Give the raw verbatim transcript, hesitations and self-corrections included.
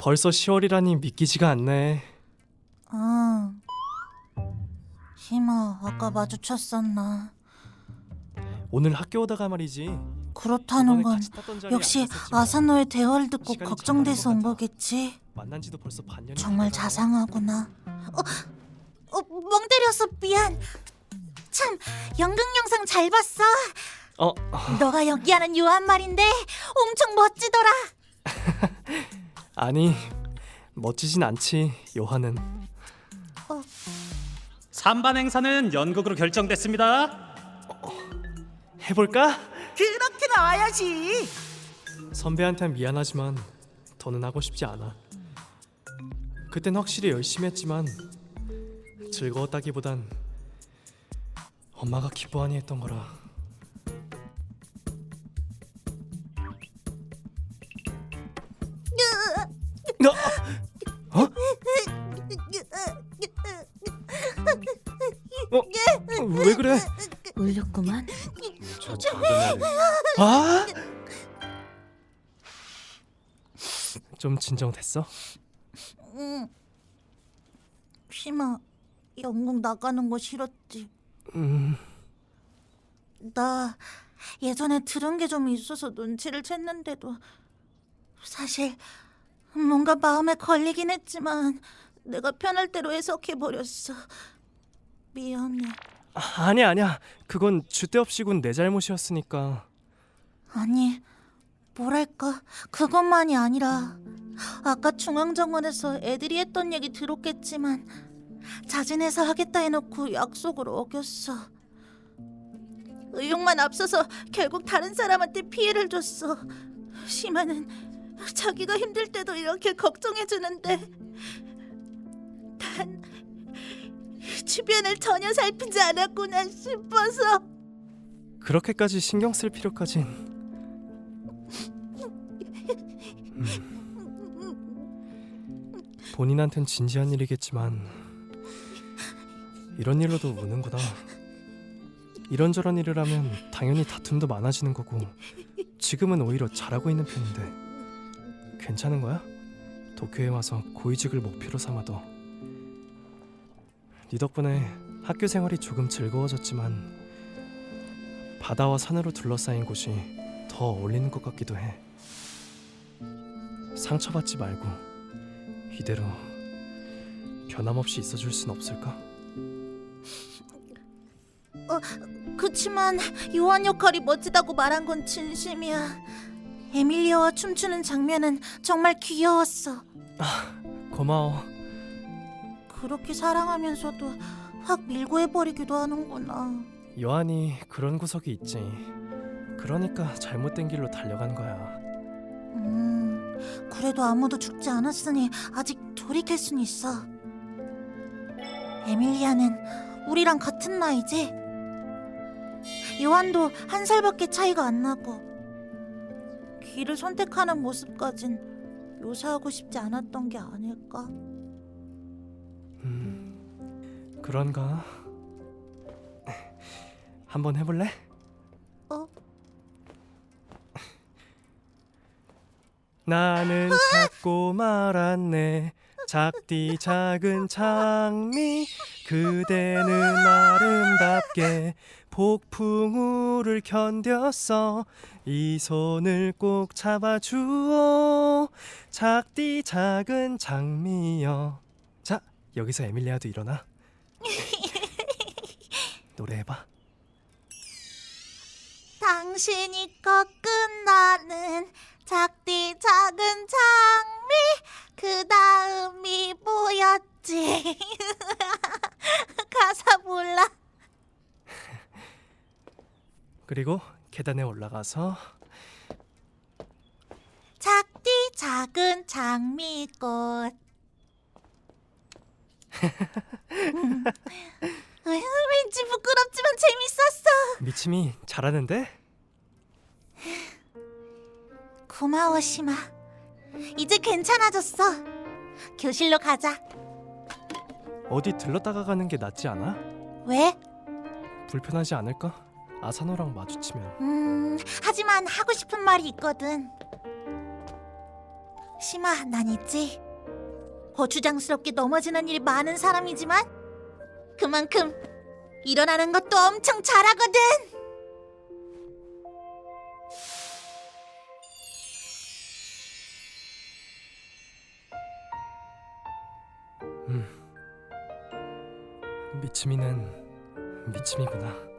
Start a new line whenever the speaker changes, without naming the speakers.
벌써 시월이라니 믿기지가 않네.
아, 희마 아까 마주쳤었나?
오늘 학교 오다가 말이지.
그렇다는
저번에
건
같이 탔던 자리에
역시
앉았었지만
아사노의 대화를 듣고
시간이
걱정돼서
참
온
많은 것
거겠지.
만난 지도 벌써 반년이
정말
돼가잖아.
자상하구나. 어, 어, 멍 때려서 미안. 참, 연극 영상 잘 봤어.
어,
너가 연기하는 요한 말인데 엄청 멋지더라.
아니 멋지진 않지 요한은.
삼반 행사는 연극으로 결정됐습니다.
해볼까?
그렇게 나와야지.
선배한텐 미안하지만 더는 하고 싶지 않아. 그땐 확실히 열심히 했지만 즐거웠다기보단 엄마가 기뻐하니 했던 거라. 너 어? 어? 왜 그래?
울렸구만.
저 작은 애를
아? 좀 진정됐어?
응. 희마, 연극 나가는 거 싫었지.
음,
나 예전에 들은 게 좀 있어서 눈치를 챘는데도 사실 뭔가 마음에 걸리긴 했지만 내가 편할 대로 해석해버렸어. 미안해.
아니야 아니야. 그건 주대없이군 내 잘못이었으니까.
아니, 뭐랄까, 그것만이 아니라 아까 중앙정원에서 애들이 했던 얘기 들었겠지만 자진해서 하겠다 해놓고 약속을 어겼어. 의욕만 앞서서 결국 다른 사람한테 피해를 줬어. 심하는 자기가 힘들 때도 이렇게 걱정해주는데 난 주변을 전혀 살피지 않았구나 싶어서.
그렇게까지 신경 쓸 필요까진. 음. 본인한텐 진지한 일이겠지만 이런 일로도 우는구나. 이런저런 일을 하면 당연히 다툼도 많아지는 거고 지금은 오히려 잘하고 있는 편인데 괜찮은 거야? 도쿄에 와서 고위직을 목표로 삼아도. 네 덕분에 학교 생활이 조금 즐거워졌지만 바다와 산으로 둘러싸인 곳이 더 어울리는 것 같기도 해. 상처받지 말고 이대로 변함없이 있어줄 순 없을까?
어, 그치만 요한 역할이 멋지다고 말한 건 진심이야. 에밀리아와 춤추는 장면은 정말 귀여웠어.
고마워.
그렇게 사랑하면서도 확 밀고 해버리기도 하는구나.
요한이 그런 구석이 있지. 그러니까 잘못된 길로 달려간 거야.
음, 그래도 아무도 죽지 않았으니 아직 돌이킬 순 있어. 에밀리아는 우리랑 같은 나이지? 요한도 한 살밖에 차이가 안 나고 길을 선택하는 모습까진 묘사하고 싶지 않았던 게 아닐까?
음, 그런가? 한번 해볼래?
어?
나는 찾고 말았네 작디 작은 장미 그대는 아름답게 폭풍우를 견뎠어 이 손을 꼭 잡아주오 작디 작은 장미여. 자, 여기서 에밀리아도 일어나. 노래해봐.
당신이 꺾은 나는 작디 작은 장미 그 다음이 뭐였지? 가사 몰라.
그리고 계단에 올라가서
작디 작은 장미꽃. 음. 으, 왠지 부끄럽지만 재밌었어.
미침이 잘하는데?
고마워 시마. 이제 괜찮아졌어. 교실로 가자.
어디 들렀다가 가는 게 낫지 않아?
왜?
불편하지 않을까? 아사노랑 마주치면.
음, 하지만 하고 싶은 말이 있거든. 심아, 난 있지. 거추장스럽게 넘어지는 일이 많은 사람이지만 그만큼 일어나는 것도 엄청 잘하거든.
미치미는 미치미구나.